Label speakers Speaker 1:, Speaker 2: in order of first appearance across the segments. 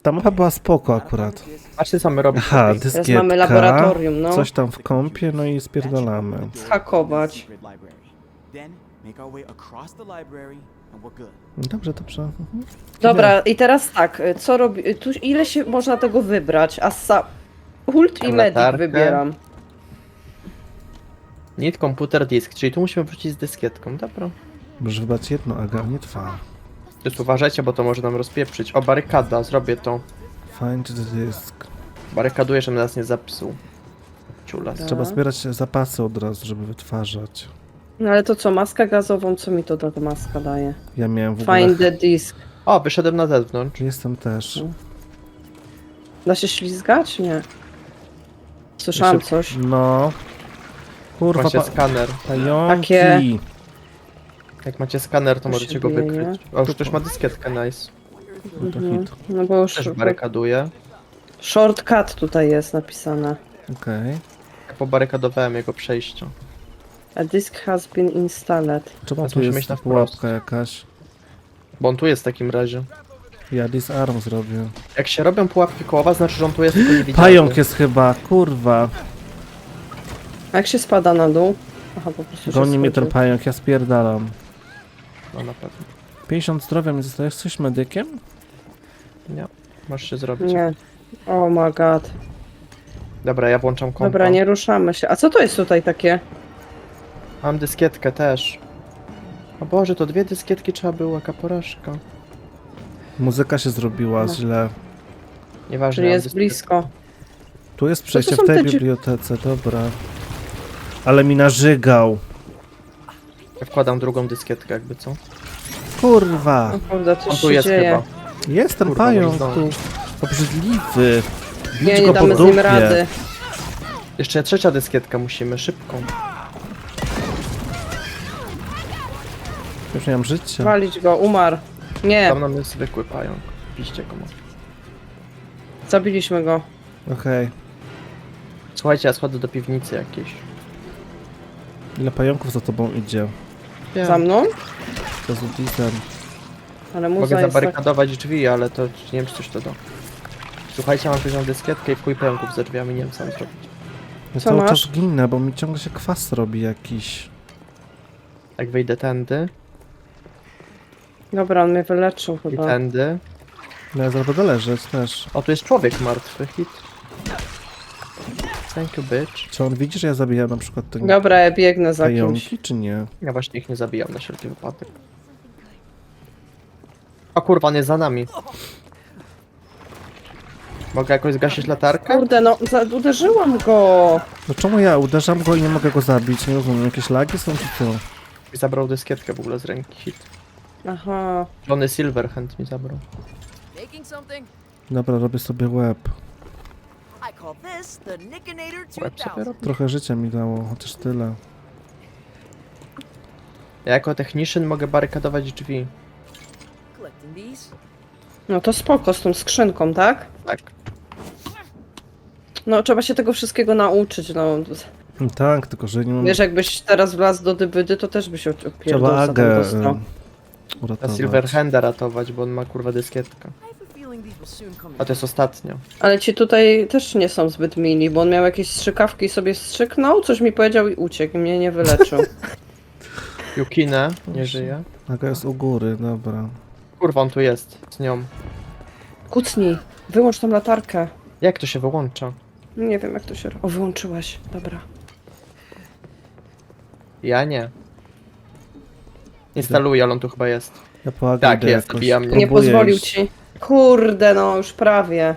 Speaker 1: Ta mapa była spoko akurat.
Speaker 2: Patrzcie, co my robimy.
Speaker 1: Aha,
Speaker 2: tutaj.
Speaker 1: dyskietka,
Speaker 3: mamy laboratorium, no.
Speaker 1: coś tam w kąpie, no i spierdolamy.
Speaker 3: Zhakować.
Speaker 1: Dobrze, dobrze. Mhm.
Speaker 3: Dobra, i teraz tak, co robi... Tu ile się można tego wybrać? Ult i
Speaker 2: Mam
Speaker 3: medic
Speaker 2: latarkę.
Speaker 3: wybieram.
Speaker 2: Need computer disk, czyli tu musimy wrócić z dyskietką, dobra.
Speaker 1: Możesz wybrać jedno, Aga, nie dwa.
Speaker 2: Też uważajcie, bo to może nam rozpieprzyć. O, barykada, zrobię to.
Speaker 1: Find the disk.
Speaker 2: Barykaduję, żeby nas nie zapsuł. Ciulas.
Speaker 1: Trzeba zbierać zapasy od razu, żeby wytwarzać.
Speaker 3: No ale to co, maskę gazową, co mi to ta maska daje?
Speaker 1: Ja miałem w ogóle...
Speaker 3: Find the disk.
Speaker 2: O, wyszedłem na zewnątrz.
Speaker 1: Jestem też.
Speaker 3: Da się ślizgać? Nie. Słyszałam
Speaker 2: Jeszcze-
Speaker 3: coś.
Speaker 1: No. Kurwa,
Speaker 2: Macie skaner.
Speaker 1: pająki.
Speaker 3: Takie.
Speaker 2: Jak macie skaner, to
Speaker 3: To
Speaker 2: możecie
Speaker 3: się
Speaker 2: go
Speaker 3: bije,
Speaker 2: wykryć. O, już ktoś ma dyskietkę, nice.
Speaker 1: No to
Speaker 3: Mhm.
Speaker 1: hit.
Speaker 3: No bo już
Speaker 2: Też barykaduję.
Speaker 3: shortcut tutaj jest napisane.
Speaker 1: Okej.
Speaker 2: Ja pobarykadowałem jego przejście.
Speaker 3: A disk has been installed.
Speaker 1: Czemu
Speaker 2: Teraz
Speaker 1: tu
Speaker 2: musimy
Speaker 1: jest
Speaker 2: iść na
Speaker 1: pułapka
Speaker 2: wprost.
Speaker 1: jakaś?
Speaker 2: Bo on tu jest w takim razie.
Speaker 1: Ja disarm zrobię.
Speaker 2: Jak się robią pułapki kołowa, znaczy, że on tu jest tylko niewidzialny.
Speaker 1: Pająk jest chyba, kurwa.
Speaker 3: A jak się spada na dół? Aha, po prostu się
Speaker 1: Goni mnie ten
Speaker 3: schodzi.
Speaker 1: pająk, ja spierdalam.
Speaker 2: No na pewno.
Speaker 1: 50 zdrowia mi zostajesz coś medykiem?
Speaker 2: Nie. Możesz się zrobić.
Speaker 3: Nie. Oh my god.
Speaker 2: Dobra, ja włączam kompa.
Speaker 3: Dobra, nie ruszamy się. A co to jest tutaj takie?
Speaker 2: Mam dyskietkę też. O Boże, to 2 dyskietki trzeba było, jaka porażka.
Speaker 1: Muzyka się zrobiła
Speaker 3: No.
Speaker 1: źle.
Speaker 2: Nieważne.
Speaker 3: Czyli
Speaker 2: mam
Speaker 3: jest
Speaker 2: dyskietkę.
Speaker 3: blisko.
Speaker 1: Tu jest przejście
Speaker 3: są
Speaker 1: w tej
Speaker 3: te
Speaker 1: bibliotece, dobra. Ale mi narzygał.
Speaker 2: Ja wkładam drugą dyskietkę, jakby co.
Speaker 1: Kurwa.
Speaker 3: O kurde,
Speaker 2: On
Speaker 3: coś
Speaker 2: tu
Speaker 3: się
Speaker 2: jest
Speaker 3: dzieje.
Speaker 2: chyba.
Speaker 1: Jest ten
Speaker 2: Kurwa,
Speaker 1: pająk
Speaker 2: może
Speaker 1: tu. Obrzydliwy. Bić
Speaker 3: Nie,
Speaker 1: go
Speaker 3: nie
Speaker 1: po
Speaker 3: damy z nim
Speaker 1: dupie.
Speaker 3: rady.
Speaker 2: Jeszcze trzecia dyskietka musimy, szybko.
Speaker 1: Już nie mam życia.
Speaker 3: Walić go, umarł. Nie,
Speaker 2: Tam nam jest zwykły pająk. Piście go może.
Speaker 3: zabiliśmy go.
Speaker 1: Okej.
Speaker 2: Słuchajcie, ja schodzę do piwnicy jakiejś.
Speaker 1: Ile pająków za tobą idzie?
Speaker 3: Za mną?
Speaker 1: To z Udizem.
Speaker 3: Ale muza
Speaker 2: Mogę
Speaker 3: jest tak...
Speaker 2: zabarykadować drzwi, ale to nie wiem, czy coś to da. Słuchajcie, mam poziom dyskietkę i w chuj pająków za drzwiami, nie wiem co mam zrobić.
Speaker 1: Ja
Speaker 3: Co
Speaker 1: cały
Speaker 3: masz?
Speaker 1: czas ginę, bo mi ciągle się kwas robi jakiś.
Speaker 2: Jak wyjdę tędy
Speaker 3: Dobra, on mnie wyleczył
Speaker 2: i
Speaker 3: chyba.
Speaker 2: tędy.
Speaker 1: No ja zaraz będę leżeć też.
Speaker 2: O, tu jest człowiek martwy, hit. Thank you, bitch.
Speaker 1: Czy on widzi, że ja zabijam na przykład te
Speaker 3: Dobra, ja biegnę za kimś.
Speaker 1: pająki, czy nie?
Speaker 2: Ja właśnie ich nie zabijam na wszelki wypadek. O kurwa, on jest za nami. Mogę jakoś zgasić latarkę?
Speaker 3: Kurde, no, uderzyłam go.
Speaker 1: No czemu ja uderzam go i nie mogę go zabić? Nie rozumiem, jakieś lagi są czy co?
Speaker 2: I zabrał dyskietkę w ogóle z ręki, hit.
Speaker 3: Aha.
Speaker 2: Johnny Silverhand mi zabrał.
Speaker 4: Making something?
Speaker 1: Dobra, robię sobie łeb.
Speaker 4: I call this the Nickinator
Speaker 2: Łeb sobie
Speaker 4: 2000.
Speaker 2: robię.
Speaker 1: Trochę życia mi dało, chociaż tyle.
Speaker 2: Ja jako technician mogę barykadować drzwi.
Speaker 4: Collecting these.
Speaker 3: No to spoko z tą skrzynką, tak?
Speaker 2: Tak.
Speaker 3: No trzeba się tego wszystkiego nauczyć, no.
Speaker 1: Tak, tylko że nie mam...
Speaker 3: Wiesz, jakbyś teraz wlazł do dybydy, to też byś się
Speaker 1: Trzeba
Speaker 3: opierdol za
Speaker 1: Agę
Speaker 3: tam dostał.
Speaker 2: Na
Speaker 1: uratować.
Speaker 2: Silverhanda ratować, bo on ma kurwa dyskietkę.
Speaker 4: I have a feeling these will soon come
Speaker 2: A to jest ostatnio.
Speaker 3: Ale ci tutaj też nie są zbyt mili, bo on miał jakieś strzykawki i sobie strzyknął, coś mi powiedział i uciekł i mnie nie wyleczył.
Speaker 2: Yukine nie żyje.
Speaker 1: Aga jest u góry, dobra.
Speaker 2: Kurwa, on tu jest z nią.
Speaker 3: Kucnij, wyłącz tą latarkę.
Speaker 2: Jak to się wyłącza?
Speaker 3: Nie wiem jak to się robi. O, wyłączyłaś, dobra.
Speaker 2: Ja nie. Instaluję, ale on tu chyba jest.
Speaker 1: Ja po Agę
Speaker 2: Tak,
Speaker 1: idę
Speaker 2: jest,
Speaker 1: jakoś.
Speaker 2: wbijam mnie.
Speaker 3: Nie
Speaker 1: Próbuję
Speaker 3: pozwolił
Speaker 1: iść.
Speaker 3: ci. Kurde, no już prawie.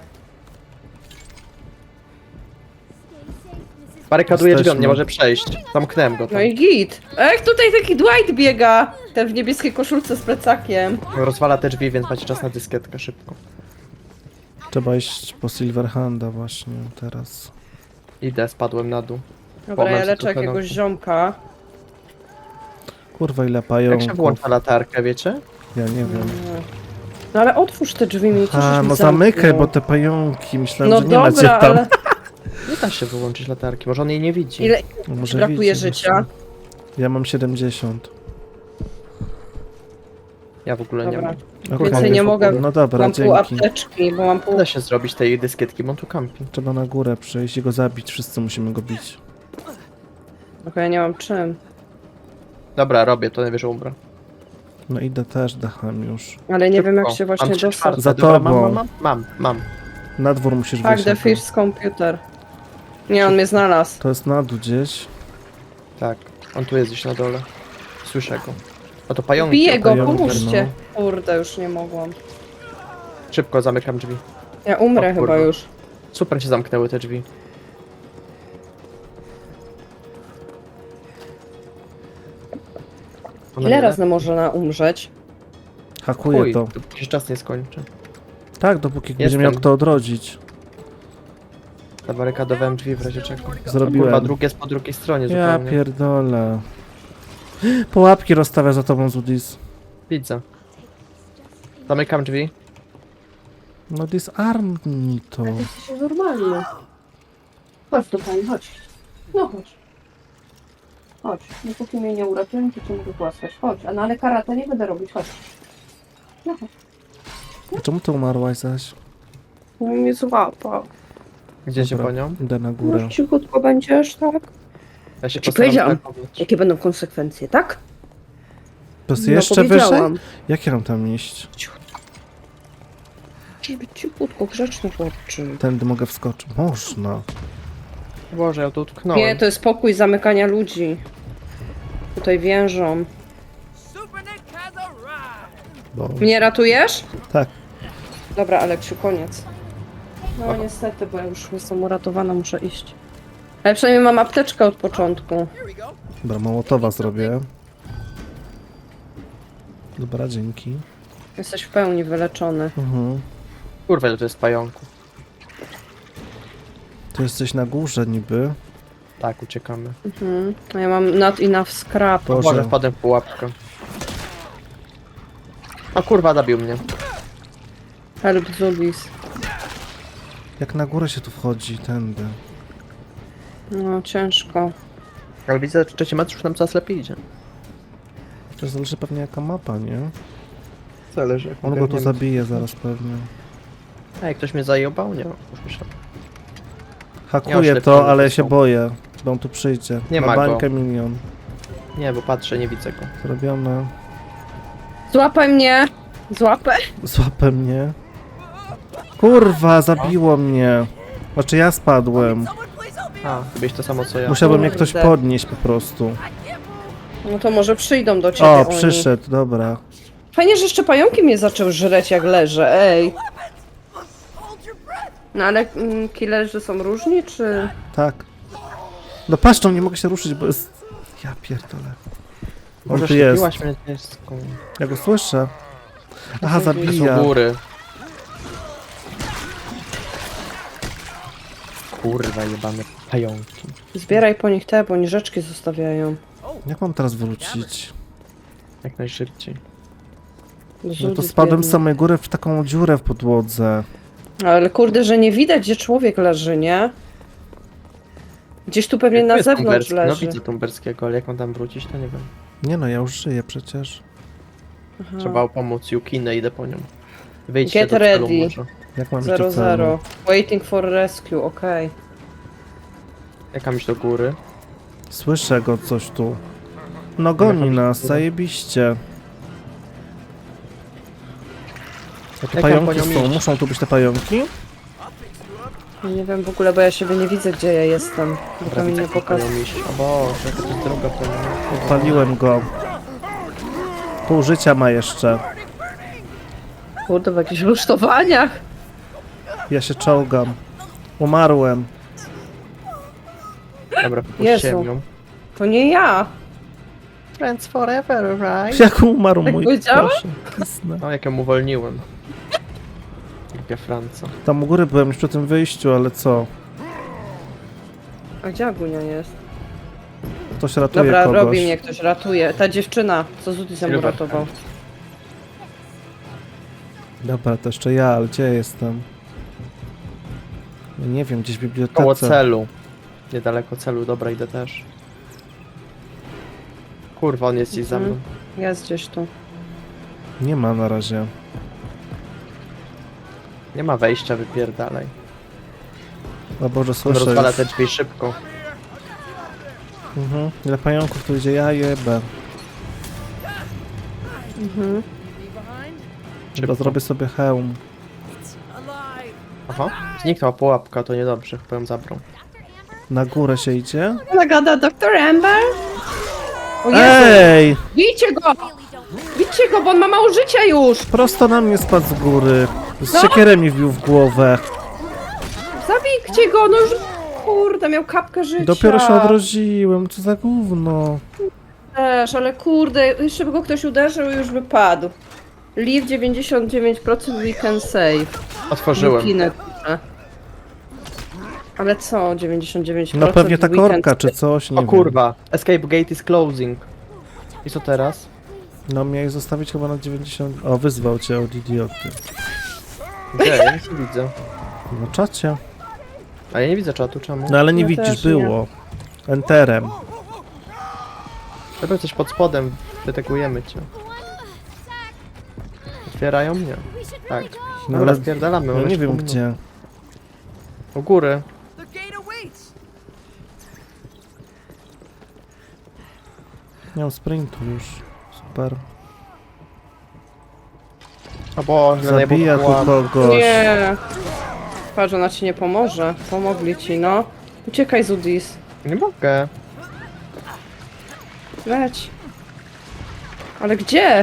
Speaker 2: Barykaduję drzwi, on
Speaker 1: Jesteśmy.
Speaker 2: nie może przejść. Zamknąłem go tam.
Speaker 3: No i git. A jak tutaj taki Dwight biega? Ten w niebieskiej koszulce z plecakiem.
Speaker 2: Rozwala te drzwi, więc macie czas na dyskietkę szybko.
Speaker 1: Trzeba iść po Silverhanda właśnie teraz.
Speaker 2: Idę, spadłem na dół.
Speaker 3: Dobra,
Speaker 2: Pomyśl
Speaker 3: ja leczę
Speaker 2: trochę
Speaker 3: jakiegoś
Speaker 2: nogi.
Speaker 3: ziomka.
Speaker 1: Kurwa, ile
Speaker 2: Jak
Speaker 1: pająków.
Speaker 2: się wyłącza latarkę, wiecie?
Speaker 1: Ja nie wiem.
Speaker 3: No ale otwórz te drzwi, mi
Speaker 1: A, no zamykaj, bo te pająki, myślałem,
Speaker 3: No
Speaker 1: że nie macie
Speaker 3: dobra,
Speaker 1: tam.
Speaker 3: ale
Speaker 2: Nie da się wyłączyć latarki, może on jej nie widzi.
Speaker 3: ile
Speaker 1: No może
Speaker 3: brakuje
Speaker 1: widzi
Speaker 3: życia?
Speaker 1: właśnie. Ja mam 70.
Speaker 2: Ja w ogóle nie
Speaker 3: Dobra.
Speaker 2: mam.
Speaker 3: Więcej nie mogę.
Speaker 1: No dobra,
Speaker 3: Mam pół
Speaker 1: dzięki.
Speaker 3: apteczki, bo mam pół...
Speaker 2: Nie da się zrobić tej dyskietki, bo on tu kampi.
Speaker 1: Trzeba na górę przyjść i go zabić. Wszyscy musimy go bić.
Speaker 3: Tylko ja nie mam czym.
Speaker 2: Dobra, robię, to najwyżej umrę.
Speaker 1: No idę też dachem już.
Speaker 3: Ale nie wiem jak
Speaker 2: Szybko.
Speaker 3: się właśnie
Speaker 2: Mam 3/4.
Speaker 3: dostać.
Speaker 1: Za
Speaker 2: Dobra,
Speaker 1: tobą.
Speaker 2: Mam.
Speaker 1: Na dwór musisz
Speaker 3: Tak,
Speaker 1: wyjść.
Speaker 3: the
Speaker 1: na to.
Speaker 3: fish computer. Nie, on mnie znalazł.
Speaker 1: To jest na dół gdzieś.
Speaker 2: Tak, on tu jest gdzieś na dole. Słyszę go. O to pająki.
Speaker 3: Biję go,
Speaker 1: pająki,
Speaker 3: pomóżcie. Kurde, już nie mogłam.
Speaker 2: Szybko zamykam drzwi.
Speaker 3: Ja umrę
Speaker 2: O
Speaker 3: chyba
Speaker 2: kurwa.
Speaker 3: już.
Speaker 2: Super się zamknęły te drzwi. Ona
Speaker 3: Ile
Speaker 2: nie
Speaker 3: razy można umrzeć?
Speaker 1: Hakuję
Speaker 2: Chuj,
Speaker 1: to.
Speaker 2: dopóki się czas nie skończy.
Speaker 1: Tak, dopóki będzie
Speaker 2: Jestem.
Speaker 1: miał kto odrodzić.
Speaker 2: Zabarykadowałem drzwi w razie czego. Kurwa,
Speaker 1: Zrobiłem.
Speaker 2: drugie jest po drugiej stronie
Speaker 1: Ja
Speaker 2: zupełnie.
Speaker 1: pierdolę. Pułapki rozstawia za tobą, Zudis.
Speaker 2: Widzę. Zamykam drzwi.
Speaker 1: No disarmnij to.
Speaker 3: Jesteś normalny. Chodź do pani, chodź. No chodź. Chodź. Dopóki mnie nie uratują, to cię mogę głaskać. Chodź. A no ale karate nie będę robić. Chodź. No chodź.
Speaker 1: A czemu ty umarłaś zaś?
Speaker 3: No mnie złapał.
Speaker 2: Gdzie się
Speaker 1: Dobra,
Speaker 2: po nią?
Speaker 1: Idę na górę.
Speaker 3: Może cichutko będziesz, tak?
Speaker 2: Ja się
Speaker 3: Ci
Speaker 2: postaram
Speaker 3: powiedziałam.
Speaker 2: zachować.
Speaker 3: Jakie będą konsekwencje, tak?
Speaker 1: To jest jeszcze wyżej?
Speaker 3: powiedziałam.
Speaker 1: Jak ja mam tam iść?
Speaker 3: Żeby cichutko, grzeczny chłopczyk.
Speaker 1: Tędy mogę wskoczyć. Można.
Speaker 2: Boże, ja tu utknąłem.
Speaker 3: Nie, to jest pokój zamykania ludzi. Tutaj więżą.
Speaker 4: Super Nick has arrived.
Speaker 1: Bo...
Speaker 3: Mnie ratujesz?
Speaker 1: Tak.
Speaker 3: Dobra, Aleksiu, koniec. No niestety, bo ja już jestem uratowana, muszę iść. Ale przynajmniej mam apteczkę od początku.
Speaker 4: Here we go.
Speaker 1: Dobra, Mołotowa zrobię. Dobra, dzięki.
Speaker 3: Jesteś w pełni wyleczony.
Speaker 2: Kurwa, ile to jest pająków.
Speaker 1: Tu jesteś na górze niby.
Speaker 2: Tak, uciekamy.
Speaker 3: A ja mam not enough scrap.
Speaker 1: Boże.
Speaker 2: Boże, wpadłem w pułapkę. O kurwa, zabił mnie.
Speaker 3: Help Zubis.
Speaker 1: Jak na górę się tu wchodzi, tędy.
Speaker 3: No, ciężko.
Speaker 2: Ale widzę, że trzeci mecz już nam coraz lepiej idzie.
Speaker 1: To zależy pewnie jaka mapa, nie?
Speaker 2: Zależy.
Speaker 1: On go tu zabije zaraz pewnie.
Speaker 2: Ej, ktoś mnie zajebał? Nie, już myślałem.
Speaker 1: Hakuję
Speaker 2: oślepiony
Speaker 1: to, ale ja się
Speaker 2: są.
Speaker 1: boję, bo on tu przyjdzie.
Speaker 2: Nie
Speaker 1: Na
Speaker 2: ma go.
Speaker 1: bańkę milion.
Speaker 2: Nie, bo patrzę, nie widzę go.
Speaker 1: Zrobione.
Speaker 3: Złapaj mnie! Złapę?
Speaker 1: Złapę mnie. Kurwa, zabiło mnie. Znaczy ja spadłem.
Speaker 4: Someone please help me.
Speaker 2: A, byś to samo co ja.
Speaker 1: Musiałby mnie ktoś
Speaker 3: Kurde.
Speaker 1: podnieść po prostu.
Speaker 3: No to może przyjdą do ciebie
Speaker 1: O,
Speaker 3: oni.
Speaker 1: przyszedł, dobra.
Speaker 3: Fajnie, że jeszcze pająki mnie zaczął żreć jak leżę, ej.
Speaker 4: Hold your breath.
Speaker 3: No ale killerzy są różni, czy...
Speaker 1: Tak. No paszczą, nie mogę się ruszyć, bo jest... Ja pierdolę. On
Speaker 2: Może
Speaker 1: tu jest.
Speaker 2: szczepiłaś mnie deską.
Speaker 1: Ja go słyszę. Aha,
Speaker 2: To
Speaker 1: zabija.
Speaker 2: są góry. Kurwa, jebane pająki.
Speaker 3: Zbieraj po nich te, bo oni rzeczki zostawiają.
Speaker 1: Jak mam teraz wrócić?
Speaker 2: Jak najszybciej.
Speaker 1: No to
Speaker 3: Zudis
Speaker 1: spadłem z
Speaker 3: biedny.
Speaker 1: samej góry w taką dziurę w podłodze.
Speaker 3: Ale kurde, że nie widać, gdzie człowiek leży, nie? Gdzieś tu pewnie
Speaker 2: Tu
Speaker 3: na
Speaker 2: jest
Speaker 3: zewnątrz
Speaker 2: Tumberski. No
Speaker 3: leży.
Speaker 2: widzę Tumberskiego, ale jak on tam wrócić, to nie wiem.
Speaker 1: Nie no, ja już żyję przecież.
Speaker 3: Aha.
Speaker 2: Trzeba pomóc Yukinę, idę po nią. Wyjdźcie
Speaker 3: Get
Speaker 2: do celu
Speaker 3: ready.
Speaker 2: może.
Speaker 1: Jak mam iść do
Speaker 3: 0-0.
Speaker 1: celu?
Speaker 3: Waiting for rescue, okej.
Speaker 2: Jak mam iść do góry?
Speaker 1: Słyszę go coś tu. No goni
Speaker 2: Jechać
Speaker 1: nas,
Speaker 2: do góry.
Speaker 1: zajebiście. A tu
Speaker 2: Jak mam po
Speaker 1: pająki
Speaker 2: nią
Speaker 1: są,
Speaker 2: iść?
Speaker 1: muszą tu być te pająki?
Speaker 3: Nie wiem w ogóle, bo ja siebie nie widzę, gdzie ja jestem. Bo to mi nie
Speaker 2: jak
Speaker 3: pokazuje.
Speaker 2: panią iść. O Boże, jaka to jest droga po nią.
Speaker 1: Paliłem go. Pół życia ma jeszcze.
Speaker 3: Kurde, w jakichś rusztowaniach.
Speaker 1: Ja się czołgam. Umarłem.
Speaker 2: Dobra,
Speaker 3: Jezu.
Speaker 2: puściłem ją.
Speaker 3: To nie ja.
Speaker 2: Friends forever, right?
Speaker 1: Jak umarł
Speaker 3: Tak
Speaker 1: mój
Speaker 3: powiedziałeś?
Speaker 1: proszę. Kisnę.
Speaker 2: O, jak ją uwolniłem. Głupia Franca.
Speaker 1: Tam u góry byłem już przy tym wyjściu, ale co?
Speaker 3: A gdzie Agunia jest?
Speaker 1: Ktoś ratuje
Speaker 3: Dobra,
Speaker 1: kogoś.
Speaker 3: robi mnie ktoś, ratuje. Ta dziewczyna, co Zudis ją
Speaker 2: Silver.
Speaker 3: uratował.
Speaker 1: Dobra, to jeszcze ja, ale gdzie jestem? Ja nie wiem, gdzieś w
Speaker 2: Koło
Speaker 1: bibliotece.
Speaker 2: celu. Niedaleko celu, dobra, idę też. Kurwa, on jest gdzieś za mną.
Speaker 3: Jest gdzieś tu.
Speaker 1: Nie ma na razie.
Speaker 2: Nie ma wejścia, wypierdalaj.
Speaker 1: O Boże,
Speaker 2: On
Speaker 1: słyszę
Speaker 2: rozwala
Speaker 1: już.
Speaker 2: te drzwi szybko.
Speaker 1: Ile pająków tu idzie, ja jebę.
Speaker 3: Mhm.
Speaker 1: Chyba zrobię sobie hełm.
Speaker 4: Alive.
Speaker 2: Aha, zniknęła pułapka, to niedobrze, chyba ją zabrał.
Speaker 1: Na górę się idzie.
Speaker 3: Ona gada Dr. Amber? O Jezu,
Speaker 1: Ej!
Speaker 3: bijcie go! Bijcie go, bo on ma mało życia już!
Speaker 1: Prosto na mnie spadł z góry. Z
Speaker 3: No.
Speaker 1: siekierem mi wbił w głowę.
Speaker 3: Zabijcie go, no już... Kurde, miał kapkę życia.
Speaker 1: Dopiero się odrodziłem, co za gówno.
Speaker 3: Też, ale kurde, jeszcze by go ktoś uderzył i już by padł. Leave 99% we can save.
Speaker 2: Otworzyłem.
Speaker 3: Kinetyczne. Ale co 99%?
Speaker 1: No pewnie ta
Speaker 3: we can
Speaker 1: korka czy
Speaker 3: save?
Speaker 1: coś, nie
Speaker 2: O
Speaker 1: wiem.
Speaker 2: kurwa, escape gate is closing. I co teraz?
Speaker 1: No miałeś zostawić chyba na 90... O, wyzwał cię od idioty.
Speaker 2: Gdzie? Ja nic nie widzę.
Speaker 1: Na czacie.
Speaker 2: A ja nie widzę czatu, czemu?
Speaker 1: No ale nie
Speaker 3: Ja
Speaker 1: widzisz,
Speaker 3: też nie.
Speaker 1: było. Enterem.
Speaker 2: Chyba coś pod spodem, wytegujemy cię. Otwierają mnie. Tak.
Speaker 1: No
Speaker 2: Dobra,
Speaker 1: ale
Speaker 2: spierdalamy.
Speaker 1: ja
Speaker 2: mamy
Speaker 1: nie
Speaker 2: jeszcze
Speaker 1: wiem
Speaker 2: pół
Speaker 1: gdzie.
Speaker 2: minuty. U góry.
Speaker 4: The gate awaits.
Speaker 1: Nie mam sprintu już. Super.
Speaker 2: O Boże,
Speaker 1: Zabija tu kogoś.
Speaker 3: Nie. Patrz, ona ci nie pomoże. Pomogli ci, no. Uciekaj, Zudis.
Speaker 2: Nie mogę.
Speaker 3: Leć. Ale gdzie?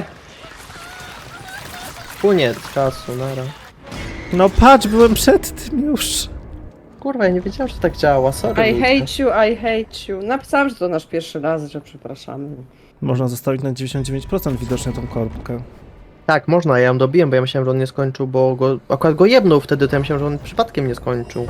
Speaker 2: Koniec czasu, nara.
Speaker 1: No patrz, byłem przed tym już.
Speaker 2: Kurwa, ja nie wiedziałem, że to tak działa, sorry.
Speaker 3: I
Speaker 2: ludzie.
Speaker 3: hate you. Napisałam, że to nasz pierwszy raz, że przepraszamy.
Speaker 1: Można zostawić na 99% widocznie tą korbkę.
Speaker 2: Tak, można, ja ją dobiłem, bo ja myślałem, że on nie skończył, bo go, akurat go jebnął wtedy, to ja myślałem, że on przypadkiem nie skończył.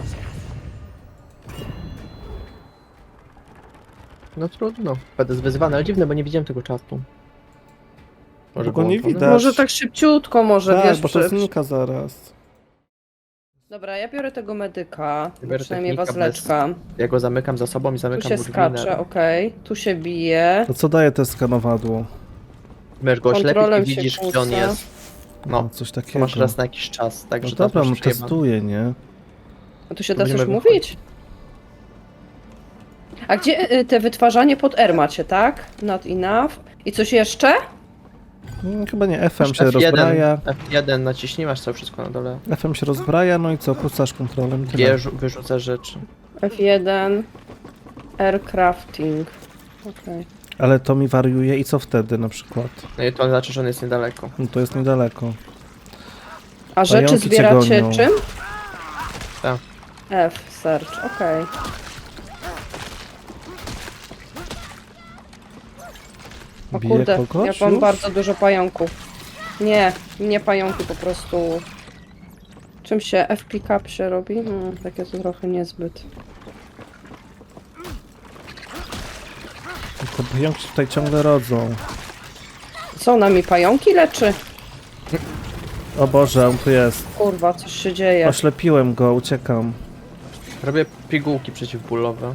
Speaker 2: No trudno, będę zwyzywany, ale dziwne, bo nie widziałem tego czatu.
Speaker 1: Bo go
Speaker 2: było
Speaker 1: nie
Speaker 2: włączone?
Speaker 1: widać.
Speaker 3: Może tak szybciutko, może,
Speaker 1: Tak,
Speaker 3: wiesz,
Speaker 1: bo to znika zaraz.
Speaker 3: Dobra, ja biorę tego medyka,
Speaker 2: Biorę
Speaker 3: przynajmniej
Speaker 2: technika
Speaker 3: wazleczka.
Speaker 2: Ja go zamykam za sobą i
Speaker 3: Tu
Speaker 2: zamykam
Speaker 3: się
Speaker 2: mu drzwi
Speaker 3: skacze,
Speaker 2: na...
Speaker 3: okej. Tu się bije.
Speaker 1: To co daje te skanowadło?
Speaker 2: Będziesz go oślepić
Speaker 3: Kontrolem
Speaker 2: i
Speaker 3: się
Speaker 2: widzisz, gdzie on
Speaker 3: kłóca.
Speaker 2: jest. No,
Speaker 1: Coś
Speaker 2: to
Speaker 1: takiego.
Speaker 2: masz raz na jakiś czas,
Speaker 1: No
Speaker 2: także
Speaker 1: dobra,
Speaker 2: teraz
Speaker 1: no
Speaker 2: masz przejebane.
Speaker 1: testuję, nie?
Speaker 3: A tu się
Speaker 2: To
Speaker 3: da coś
Speaker 2: będziemy
Speaker 3: mówić? A gdzie te wytwarzanie pod R macie, tak? Not enough. I coś jeszcze?
Speaker 1: Chyba nie, FM
Speaker 2: Masz
Speaker 1: się rozbraja.
Speaker 2: F1 naciśnij, masz to wszystko na dole.
Speaker 1: FM się rozbraja, no i co, pucasz kontrolem i tyle.
Speaker 2: Wyrzucasz rzeczy.
Speaker 3: F1. Aircrafting. Okej.
Speaker 1: Ale to mi wariuje i co wtedy na przykład?
Speaker 2: No i to znaczy, że on jest niedaleko.
Speaker 1: No to jest niedaleko.
Speaker 3: A rzeczy
Speaker 1: Pająki cię
Speaker 3: zbieracie
Speaker 1: gonią.
Speaker 3: czym?
Speaker 2: Tak.
Speaker 3: F, search, okej. O
Speaker 1: Bije
Speaker 3: kurde,
Speaker 1: kogoś
Speaker 3: ja mam
Speaker 1: już?
Speaker 3: bardzo dużo pająków. Nie pająki, po prostu... Czym się F-pick-up się robi? Takie to trochę niezbyt.
Speaker 1: Tylko pająki się tutaj ciągle rodzą.
Speaker 3: Co, nami pająki leczy?
Speaker 1: O Boże, on tu jest.
Speaker 3: Kurwa, coś się dzieje.
Speaker 1: Oślepiłem go, uciekam.
Speaker 2: Robię pigułki przeciwbólowe.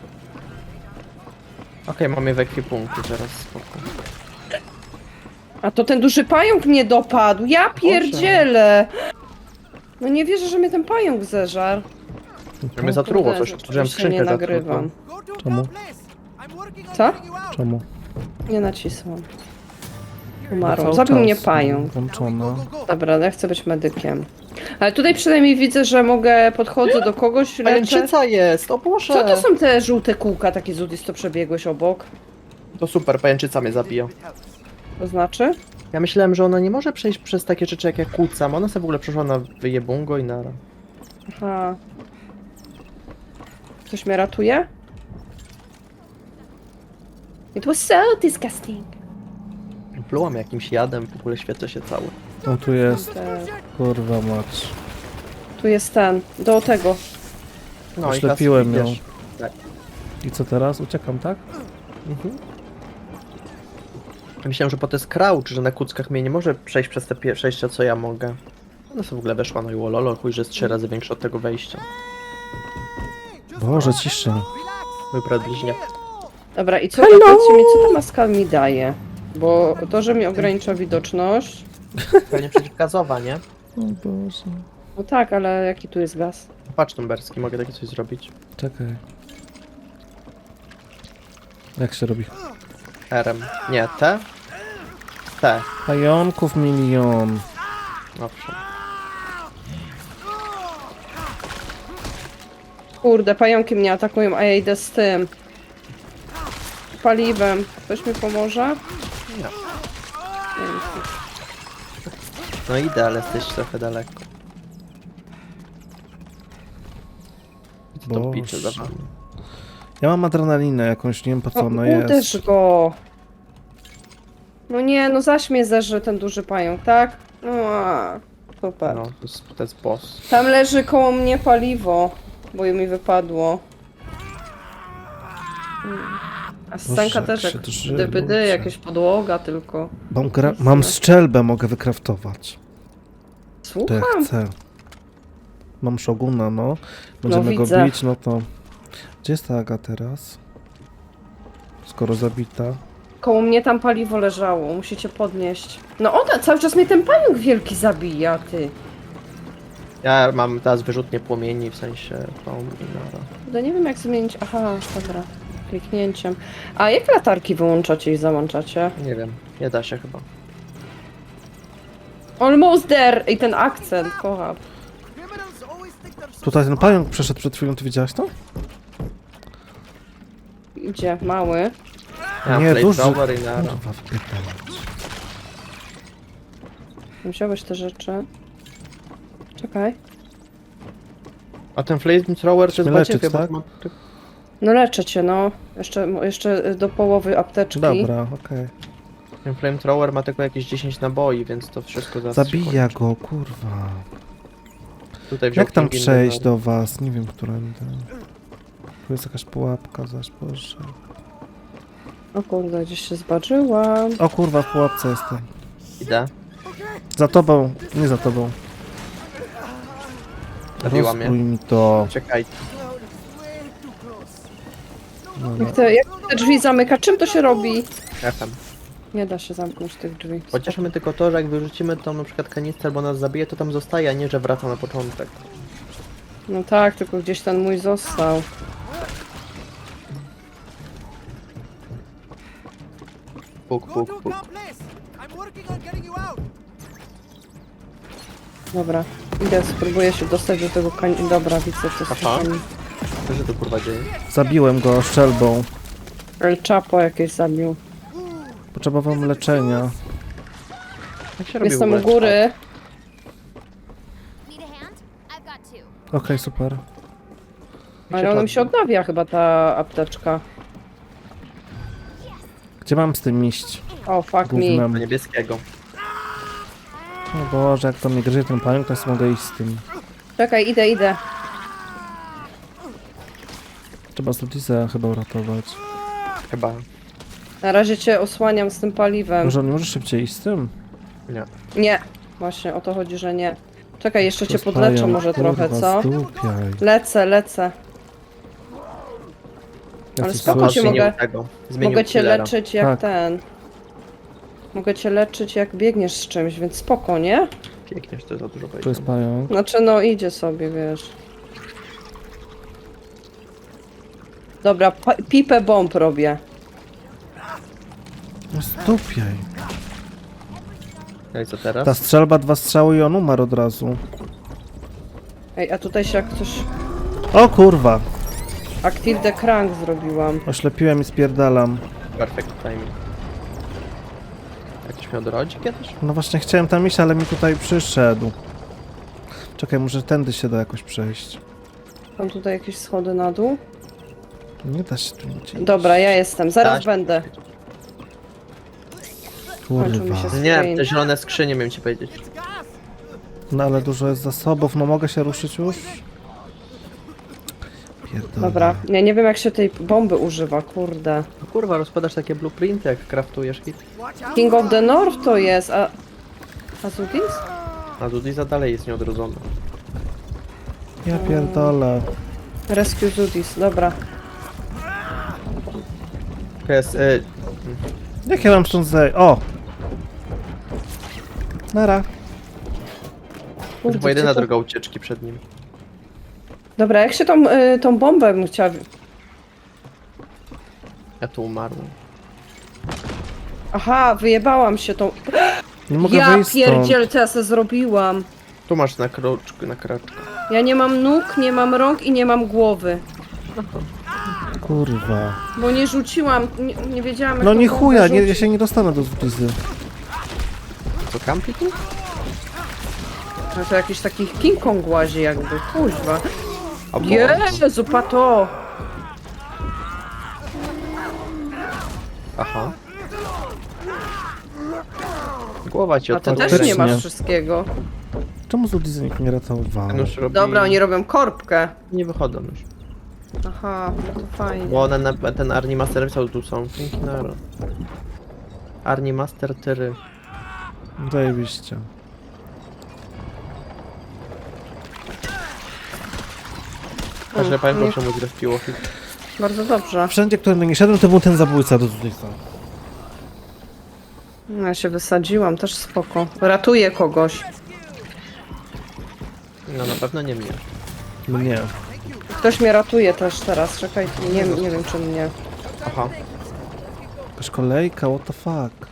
Speaker 2: Okej, mamy w ekwipunku, teraz spoko.
Speaker 3: A to ten duży pająk mnie dopadł. Ja pierdzielę! No nie wierzę, że mnie ten pająk zeżarł.
Speaker 2: Że mnie zatruło
Speaker 3: Kurde,
Speaker 2: coś, otworzyłem
Speaker 3: rzeczywiście nie
Speaker 2: skrzynkę
Speaker 3: nagrywam.
Speaker 2: zatrutą.
Speaker 4: Go to
Speaker 1: Czemu?
Speaker 4: the place. I'm working on
Speaker 3: Co?
Speaker 4: getting you out.
Speaker 1: Czemu?
Speaker 3: Nie nacisłam.
Speaker 1: No
Speaker 3: Umarłam.
Speaker 1: cały
Speaker 3: Zabił
Speaker 1: czas
Speaker 3: mnie pająk.
Speaker 1: włączona.
Speaker 4: Go, go, go.
Speaker 3: Dobra, ja chcę być medykiem. Ale tutaj przynajmniej widzę, że mogę, podchodzę do kogoś, leczę.
Speaker 2: Pajęczyca jest, o Boże!
Speaker 3: Co to są te żółte kółka, takie Zudis, to przebiegłeś obok?
Speaker 2: To super, pajęczyca mnie zabija.
Speaker 3: To znaczy?
Speaker 2: Ja myślałem, że ona nie może przejść przez takie rzeczy jak ja kłócam. Ona sobie w ogóle przeszła na wyjebungo i nara.
Speaker 3: Aha. Ktoś mnie ratuje? It was so disgusting.
Speaker 2: Plułam jakimś jadem, w ogóle świecę się cały.
Speaker 1: On tu jest.
Speaker 3: Te-
Speaker 1: Kurwa mać.
Speaker 3: Tu jest ten, do tego.
Speaker 2: No
Speaker 1: Oślepiłem
Speaker 2: i
Speaker 1: ją.
Speaker 2: wiesz, tak.
Speaker 1: I co teraz? Uciekam, tak?
Speaker 2: Mhm. Myślałem, że po to jest crouch, że na kuckach mnie nie może przejść przez te przejścia, co ja mogę. Ona sobie w ogóle weszła, no i wololo, chuj, że jest 3 razy większe od tego wejścia.
Speaker 1: Boże, cisza.
Speaker 2: Mój brat bliźniak.
Speaker 3: Dobra, i co, powiedzcie mi, co ta maska mi daje? Bo to, że mi ogranicza widoczność...
Speaker 2: Pewnie przeciwgazowa, nie?
Speaker 1: O Boże.
Speaker 3: No tak, ale jaki tu jest gaz?
Speaker 2: Patrz Tumberski, mogę takie coś zrobić.
Speaker 1: Czekaj. Jak się robi?
Speaker 2: RM. Nie, T? T.
Speaker 1: Pająków milion.
Speaker 2: Owszem.
Speaker 3: Kurde, pająki mnie atakują, a ja idę z tym. Paliwem. Ktoś mi pomoże?
Speaker 2: Nie. No idę, ale jesteś trochę daleko. To
Speaker 1: Boże.
Speaker 2: picze za wami.
Speaker 1: Ja mam adrenalinę jakąś, nie wiem po co ona jest.
Speaker 3: Uderz go! No nie, no zaś mnie zeżre ten duży pająk, tak? Super.
Speaker 2: No, to jest boss.
Speaker 3: Tam leży koło mnie paliwo, bo mi wypadło. A scenka
Speaker 1: Boże,
Speaker 3: też
Speaker 1: jak
Speaker 3: jak
Speaker 1: się drży,
Speaker 3: DVD,
Speaker 1: ludzie.
Speaker 3: jakieś podłoga tylko.
Speaker 1: Mam strzelbę, mogę wykraftować. To jak
Speaker 3: Słucham?
Speaker 1: chcę. Mam Shoguna, no. Będziemy go
Speaker 3: widzę.
Speaker 1: bić, no to... Gdzie jest ta Aga teraz? Skoro zabita.
Speaker 3: Koło mnie tam paliwo leżało, musicie podnieść. No ona, cały czas mnie ten pająk wielki zabija, ty.
Speaker 2: Ja mam teraz wyrzutnie płomieni, w sensie tą i nara.
Speaker 3: Kurde, nie wiem jak zmienić. Aha, dobra. Kliknięciem. A jak latarki wyłączacie i załączacie?
Speaker 2: Nie wiem, nie da się chyba.
Speaker 3: Almost there! I ten akcent, kocham.
Speaker 4: Criminals always think they're so
Speaker 1: Tutaj ten pająk przeszedł przed chwilą, ty widziałaś to?
Speaker 3: Idzie, mały.
Speaker 2: Ja mam
Speaker 1: Nie, duży.
Speaker 2: flamethrower i nara.
Speaker 1: Kurwa, wpierdalać.
Speaker 3: Wziąłeś te rzeczy. Czekaj.
Speaker 2: A ten flamethrower to jest
Speaker 1: leczyć,
Speaker 2: baciewia,
Speaker 1: tak?
Speaker 2: bo ma...
Speaker 3: No leczę cię, no. Jeszcze do połowy apteczki.
Speaker 1: Dobra, okej.
Speaker 2: Ten flamethrower ma tylko jakieś 10 naboi, więc to wszystko zaraz się
Speaker 1: Zabija
Speaker 2: kończy.
Speaker 1: go, kurwa.
Speaker 2: Tutaj wziął
Speaker 1: Jak tam
Speaker 2: King
Speaker 1: przejść
Speaker 2: Inventor.
Speaker 1: do was? Nie wiem, którędy. Tu jest jakaś pułapka, zaś Boże.
Speaker 3: O kurde, gdzieś się zbaczyłam.
Speaker 1: O kurwa, w pułapce jestem.
Speaker 2: Idę.
Speaker 1: Za tobą, nie za tobą.
Speaker 2: Zabiła mnie.
Speaker 1: Rozbrój mi to.
Speaker 2: Czekaj.
Speaker 4: cloud is way too close.
Speaker 1: No,
Speaker 3: Jak te drzwi zamyka? Czym to się robi?
Speaker 2: FM.
Speaker 3: Nie da się zamknąć tych drzwi.
Speaker 2: Pocieszmy tylko to, że jak wyrzucimy tą na przykład kanistrę albo nas zabije, to tam zostaje, a nie, że wraca na początek.
Speaker 3: No tak, tylko gdzieś ten mój został.
Speaker 2: Puk,
Speaker 4: Go
Speaker 2: puk,
Speaker 4: to a
Speaker 2: puk.
Speaker 4: calm place. I'm working on getting you out.
Speaker 3: Dobra, idę, spróbuję się dostać do tego Dobra, widzę, co jest
Speaker 2: Aha.
Speaker 3: tam.
Speaker 2: Co się tu kurwa dzieje?
Speaker 1: zabiłem go strzelbą.
Speaker 3: El Chapo jakieś zabił.
Speaker 1: Potrzebowałem leczenia.
Speaker 2: Jak się robi w
Speaker 3: Jestem u
Speaker 2: ogóle
Speaker 3: góry.
Speaker 5: Need a hand? I've got two.
Speaker 1: Okej, super.
Speaker 3: Ale ona mi się odnawia chyba ta apteczka.
Speaker 1: Gdzie mam z tym iść?
Speaker 3: O, fuck me.
Speaker 1: Gównem.
Speaker 2: Do niebieskiego.
Speaker 1: O Boże, jak to mnie gryzie ten pająk, to sobie mogę iść z tym.
Speaker 3: Czekaj, idę.
Speaker 1: Trzeba Studisę chyba uratować.
Speaker 2: Chyba.
Speaker 3: Na razie cię osłaniam z tym paliwem.
Speaker 1: Może on nie może szybciej iść z tym?
Speaker 2: Nie.
Speaker 3: Nie, właśnie o to chodzi, że nie. Czekaj, jeszcze
Speaker 1: To
Speaker 3: cię
Speaker 1: jest
Speaker 3: podleczę
Speaker 1: pająk,
Speaker 3: może trochę,
Speaker 1: kurwa,
Speaker 3: co?
Speaker 1: Zdupiaj.
Speaker 3: Lecę.
Speaker 1: Ja
Speaker 3: Ale
Speaker 1: chcę
Speaker 3: spoko
Speaker 1: zobaczyć.
Speaker 3: cię
Speaker 2: Zmienił
Speaker 3: mogę-
Speaker 2: tego. Zmienił
Speaker 3: Mogę cię
Speaker 2: killera.
Speaker 3: leczyć jak
Speaker 1: Tak.
Speaker 3: ten. Mogę cię leczyć jak biegniesz z czymś, więc spoko, nie?
Speaker 2: Pięknie, że to za dużo
Speaker 1: Tu jest
Speaker 2: powiedział.
Speaker 1: pająk.
Speaker 3: Znaczy no idzie sobie, wiesz. Dobra, pipę bomb robię.
Speaker 1: No zdupiaj.
Speaker 2: No i co teraz?
Speaker 1: Ta strzelba, 2 strzały i on umarł od razu.
Speaker 3: Ej, a tutaj się jak coś...
Speaker 1: O kurwa!
Speaker 3: Active the crank zrobiłam.
Speaker 1: Oślepiłem i spierdalam.
Speaker 2: Perfect timing. Jakiś miał drodzi kiedyś?
Speaker 1: No właśnie chciałem tam iść, ale mi tutaj przyszedł. Czekaj, może tędy się da jakoś przejść.
Speaker 3: Mam tutaj jakieś schody na dół.
Speaker 1: Nie da się tu nic iść.
Speaker 3: Dobra, ja jestem, zaraz
Speaker 2: Daś.
Speaker 3: będę. kończył mi
Speaker 1: Kurwa.
Speaker 3: się
Speaker 2: Nie, te zielone skrzynie miałem ci powiedzieć.
Speaker 4: It's gas.
Speaker 1: No ale dużo jest zasobów, no mogę się ruszyć już? Pierdolę.
Speaker 3: Dobra, ja nie wiem jak się tej bomby używa, kurde.
Speaker 2: No kurwa, rozpadasz takie blueprinty, jak craftujesz hit.
Speaker 4: Watch out.
Speaker 3: King of the North to jest, a... Azudis?
Speaker 2: A Dudiza dalej jest nieodrodzony.
Speaker 1: Ja pierdolę.
Speaker 3: Rescue Zudis, dobra.
Speaker 2: To jest...
Speaker 1: Jak ja mam stąd zejść? O! Nara.
Speaker 2: To była jedyna
Speaker 3: gdzie to-
Speaker 2: droga ucieczki przed nim.
Speaker 3: Dobra, jak się tą bombę bym chciała...
Speaker 2: Ja tu umarłem.
Speaker 3: Aha, wyjebałam się tą...
Speaker 1: Nie mogę
Speaker 3: Ja
Speaker 1: wyjść stąd.
Speaker 3: pierdziel, co ja sobie zrobiłam.
Speaker 2: Tu masz na kroczkę.
Speaker 3: Ja nie mam nóg, nie mam rąk i nie mam głowy.
Speaker 1: Kurwa.
Speaker 3: Bo nie rzuciłam, nie wiedziałam jak
Speaker 1: No
Speaker 3: tą
Speaker 1: nie
Speaker 3: bombę
Speaker 1: chuja, nie, ja
Speaker 3: rzucić.
Speaker 1: się nie dostanę do Zblizy.
Speaker 2: Co, kampi tu?
Speaker 3: No to jakiś taki King Kong łazi jakby, kuźwa.
Speaker 2: O Boże.
Speaker 3: Jezu, pato!
Speaker 2: Aha. Głowa ci
Speaker 3: A ty
Speaker 2: odpadła.
Speaker 3: też nie masz
Speaker 1: Faktycznie.
Speaker 3: wszystkiego.
Speaker 1: Czemu Zblizy nikt nie ratował?
Speaker 2: Ten już robi...
Speaker 3: Dobra, oni robią korbkę.
Speaker 2: Nie wychodzą już.
Speaker 3: Aha, no to fajnie.
Speaker 2: Bo one ten Arni Master pisał, tu są. Dzięki naro. Arni Master tyry.
Speaker 1: Zajebiście.
Speaker 2: Każdy pamiętał,
Speaker 3: nie-
Speaker 2: czemu grę w piłochy.
Speaker 3: Bardzo dobrze.
Speaker 1: Wszędzie, którym nie szedłem, to był ten zabójca do Zblizy.
Speaker 3: Ja się wysadziłam, też spoko. Ratuję kogoś.
Speaker 2: No na pewno nie mnie.
Speaker 1: Mnie.
Speaker 3: Ktoś mnie ratuje też teraz, czekaj, nie wiem czy mnie.
Speaker 2: Aha.
Speaker 1: Jakaś kolejka, what the fuck.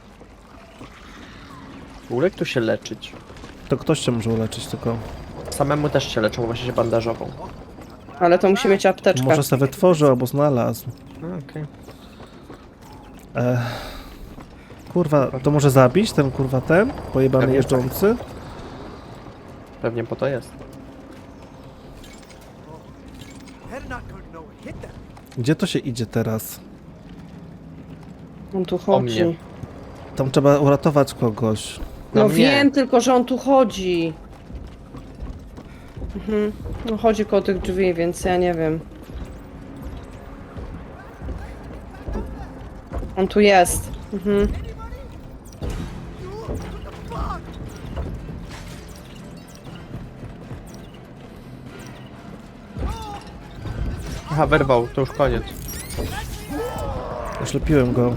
Speaker 2: W ogóle jak tu się leczyć?
Speaker 1: To ktoś cię może uleczyć tylko.
Speaker 2: Samemu też się leczą, właśnie się bandażową.
Speaker 3: Ale to musi mieć apteczkę.
Speaker 1: Może sobie wytworzył albo znalazł.
Speaker 2: Okej.
Speaker 1: Kurwa, to może zabić ten kurwa ten? Pojebany
Speaker 2: Pewnie
Speaker 1: jeżdżący?
Speaker 2: Pewnie po to jest.
Speaker 4: They're not going to hit them.
Speaker 1: Gdzie to się idzie teraz?
Speaker 3: On tu
Speaker 2: O mnie.
Speaker 3: chodzi.
Speaker 1: Tam trzeba uratować kogoś.
Speaker 3: No
Speaker 2: mnie.
Speaker 3: wiem, tylko że on tu chodzi. No chodzi koło tych drzwi, więc ja nie wiem. On tu jest.
Speaker 2: Aha, wyrwał, to już koniec.
Speaker 1: Oślepiłem go.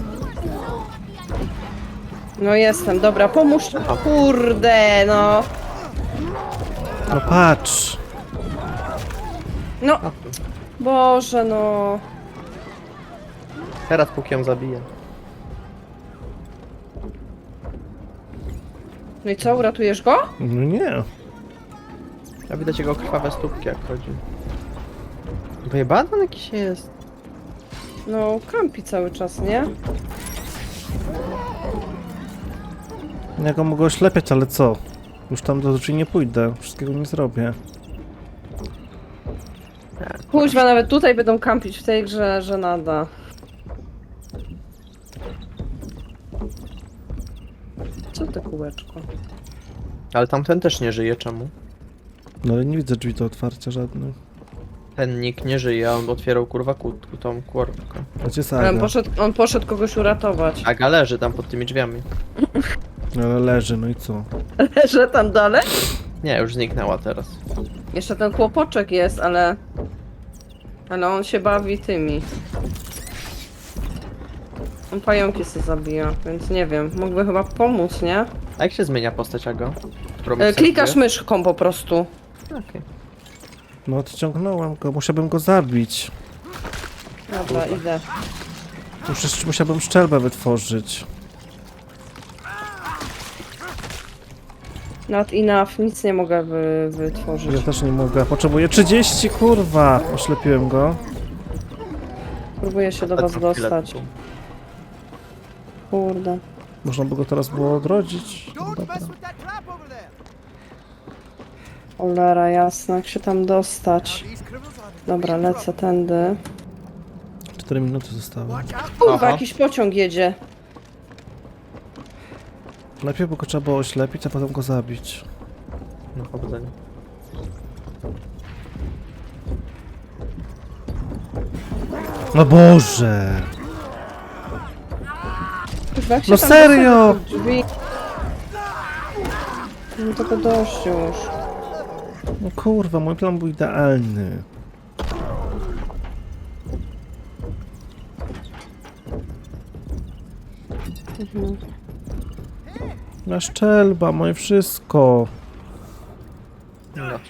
Speaker 3: No jestem, dobra, pomóż. Kurde, no.
Speaker 1: No patrz!
Speaker 3: No. Boże, no.
Speaker 2: Teraz póki ją zabiję.
Speaker 3: No i co, uratujesz go?
Speaker 1: No nie.
Speaker 2: A widać jego krwawe stópki jak chodzi. Wyjebany on jakiś jest.
Speaker 3: No, kampi cały czas, nie?
Speaker 1: Ja go mogę oślepiać, ale co? Już tam do drzwi nie pójdę. Wszystkiego nie zrobię.
Speaker 3: Kuźwa, nawet tutaj będą kampić w tej grze, że nada. Co to kółeczko?
Speaker 2: Ale tamten też nie żyje, czemu?
Speaker 1: No ale nie widzę drzwi do otwarcia żadnych.
Speaker 2: Ten nick nie żyje, a on otwierał kurwa tą korbkę.
Speaker 1: A gdzie
Speaker 3: Ale
Speaker 1: Saga?
Speaker 3: on poszedł kogoś uratować.
Speaker 2: Aga leży tam pod tymi drzwiami.
Speaker 1: Ale leży, no i co?
Speaker 3: Że tam dalej?
Speaker 2: Nie, już zniknęła teraz.
Speaker 3: Jeszcze ten chłopoczek jest, ale... Ale on się bawi tymi. On pająki sobie zabija, więc nie wiem. Mógłby chyba pomóc, nie?
Speaker 2: A jak się zmienia postać Aga? Którą
Speaker 3: Klikasz
Speaker 2: serwuje?
Speaker 3: myszką po prostu.
Speaker 2: Okej.
Speaker 1: No odciągnąłem go, musiałbym go zabić.
Speaker 3: Dobra, idę.
Speaker 1: Musiałbym szczelbę wytworzyć.
Speaker 3: Not enough, nic nie mogę
Speaker 1: Ja
Speaker 3: wytworzyć.
Speaker 1: też nie mogę. Potrzebuję 30, kurwa! Oślepiłem go.
Speaker 3: Próbuję się do was dostać. Kurde.
Speaker 1: Można by go teraz było odrodzić.
Speaker 4: Don't
Speaker 1: Dobra.
Speaker 4: mess with that trap over there.
Speaker 3: Cholera jasna, jak się tam dostać.
Speaker 4: These criminals are
Speaker 3: Dobra, lecę tędy.
Speaker 1: 4 minuty zostały.
Speaker 4: watch out.
Speaker 3: Kurwa,
Speaker 2: Aha.
Speaker 3: jakiś pociąg jedzie.
Speaker 1: Najpierw by go trzeba było oślepić, a potem go zabić.
Speaker 2: No powodzenia.
Speaker 1: No Boże!
Speaker 3: Kurwa, jak się
Speaker 1: No
Speaker 3: tam
Speaker 1: serio?
Speaker 3: dostać do tych drzwi? No tego dość już.
Speaker 1: No kurwa, mój plan był idealny. Na szczelba, moje wszystko.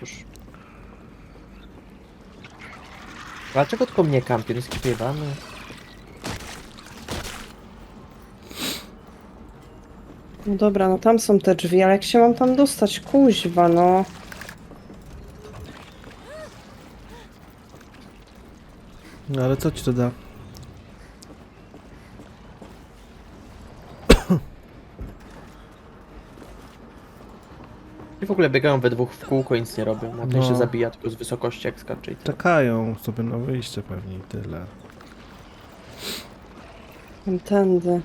Speaker 2: już. Dlaczego tylko mnie kampion jest kipiewany?
Speaker 3: No dobra, no tam są te drzwi, ale jak się mam tam dostać? Kuźwa, no.
Speaker 1: No ale co ci to da?
Speaker 2: I w ogóle biegają we dwóch w kółko i nic nie robią. Na ten
Speaker 1: No.
Speaker 2: się zabija tylko z wysokości jak skacze i tyle.
Speaker 1: Czekają sobie na wyjście pewnie i tyle.
Speaker 3: Tędy.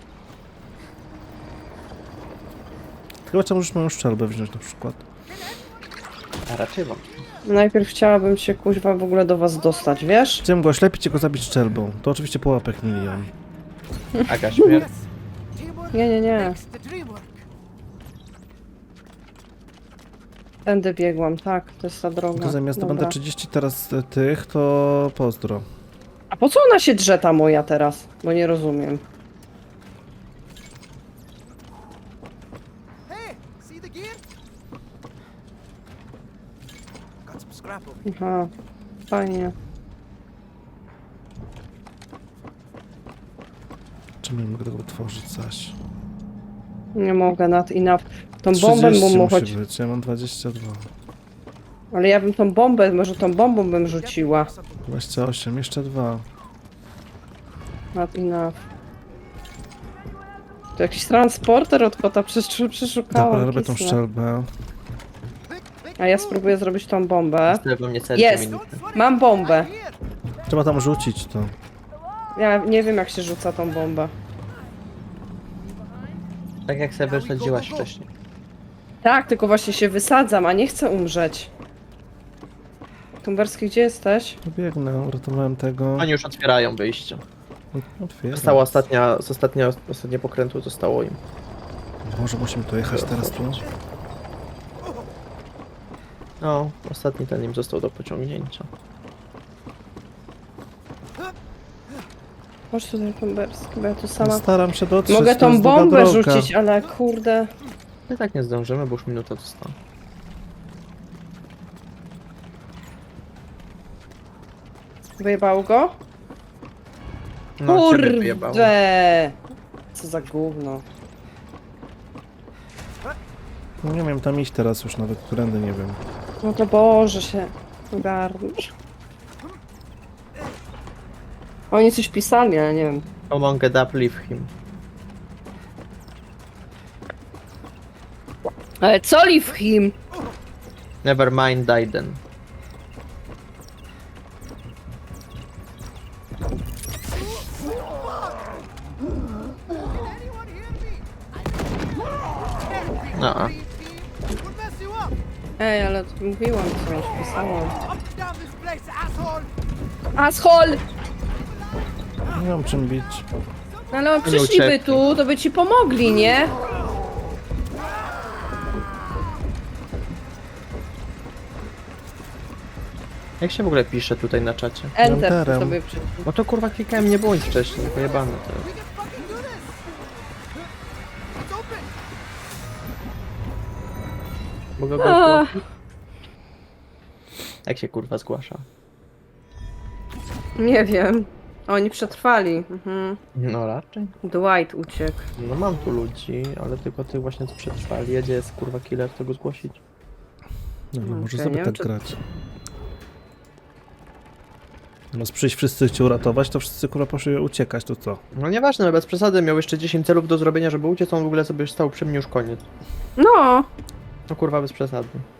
Speaker 1: Chyba trzeba możesz moją szczelbę wziąć na przykład.
Speaker 2: A raczej wam.
Speaker 3: Najpierw chciałabym się kuźwa w ogóle do was dostać, wiesz?
Speaker 1: Chciałem go oślepić i go zabić szczelbą. To oczywiście pułapek milion.
Speaker 2: Aga śmierć.
Speaker 4: Teamwork
Speaker 3: Nie.
Speaker 4: makes the dream work.
Speaker 3: Tędy biegłam, tak, to jest ta droga.
Speaker 1: To zamiast to
Speaker 3: Dobra.
Speaker 1: będę 30 teraz tych, to pozdro.
Speaker 3: A po co ona się drze ta moja teraz? Bo nie rozumiem.
Speaker 4: Hey, see the gear? Got some scrap over
Speaker 3: Aha, fajnie.
Speaker 1: Czemu nie mogę tego otworzyć zaś?
Speaker 3: Nie mogę nad i na... Tą bombę
Speaker 1: 30
Speaker 3: mu
Speaker 1: musi
Speaker 3: choć...
Speaker 1: być, ja mam 22.
Speaker 3: Ale ja bym tą bombę, może tą bombą bym rzuciła.
Speaker 1: 28, jeszcze 2.
Speaker 3: Nad i na... To jakiś transporter od kota przeszukałam.
Speaker 1: Dobra, robię tą
Speaker 3: kisnę.
Speaker 1: szczelbę.
Speaker 3: A ja spróbuję zrobić tą bombę.
Speaker 2: Tyle we mnie serce
Speaker 3: Jest.
Speaker 2: minutę.
Speaker 3: Mam bombę.
Speaker 1: Trzeba tam rzucić to.
Speaker 3: Ja nie wiem jak się rzuca tą bombę.
Speaker 2: Tak jak sobie wysadziłaś wcześniej.
Speaker 3: Tak, tylko właśnie się wysadzam, a nie chcę umrzeć. Tumberski, gdzie jesteś?
Speaker 1: Biegnę, uratowałem tego.
Speaker 2: Oni już otwierają wyjście.
Speaker 1: Otwieram.
Speaker 2: Została ostatnie pokrętło zostało im.
Speaker 1: Boże, musimy tu jechać teraz tu.
Speaker 2: No, ostatni ten im został do pociągnięcia.
Speaker 3: Chodź tutaj, Tumberski, bo ja tu
Speaker 1: No,
Speaker 3: sama...
Speaker 1: staram się dotrzeć.
Speaker 3: Mogę
Speaker 1: to
Speaker 3: tą
Speaker 1: jest długa
Speaker 3: bombę
Speaker 1: droga.
Speaker 3: rzucić, ale kurde...
Speaker 2: I tak nie zdążymy, bo już minuta została.
Speaker 3: Wyjebał go?
Speaker 2: No, ciebie wyjebało.
Speaker 3: Kurde! Co za gówno.
Speaker 1: No nie wiem, tam iść teraz już nawet, którędy nie wiem.
Speaker 3: No to Boże się ogarniesz. Oni coś pisali, ale nie wiem.
Speaker 2: Among it up, leave him.
Speaker 3: Ale co leave him?
Speaker 2: Never mind, Daiden.
Speaker 4: Anyone hear me?
Speaker 2: No.
Speaker 4: We'll mess you up.
Speaker 3: Ej, ale mówiłam coś, pisałam.
Speaker 4: Up and down this place, asshole.
Speaker 3: Ashol!
Speaker 1: Nie mam czym bić.
Speaker 3: No ale on
Speaker 2: Nie
Speaker 3: przyszliby
Speaker 2: uciekli.
Speaker 3: tu, to by ci pomogli, nie?
Speaker 2: Jak się w ogóle pisze tutaj na czacie?
Speaker 3: Enter
Speaker 1: Enterem.
Speaker 3: sobie przyszli.
Speaker 2: No to kurwa klikałem, nie było nic wcześniej, pojebane to jest.
Speaker 4: We can fucking do this. It's open.
Speaker 2: Mogę go
Speaker 3: A.
Speaker 2: zgłosić? Jak się kurwa zgłasza?
Speaker 3: Nie wiem. Oni przetrwali. Mhm.
Speaker 2: No raczej.
Speaker 3: Dwight uciekł.
Speaker 2: No mam tu ludzi, ale tylko tych właśnie co przetrwali. Jedzie jest kurwa killer, to go zgłosić.
Speaker 1: No, no może
Speaker 3: Okej,
Speaker 1: sobie
Speaker 3: nie
Speaker 1: tak
Speaker 3: wiem, czy-
Speaker 1: grać. Zamiast przyjść wszyscy cię uratować, to wszyscy kurwa poszli uciekać, to co?
Speaker 2: No nieważne, no bez przesady, miał jeszcze 10 celów do zrobienia, żeby uciec, on w ogóle sobie stał przy mnie już koniec.
Speaker 3: No!
Speaker 2: No kurwa bez przesady.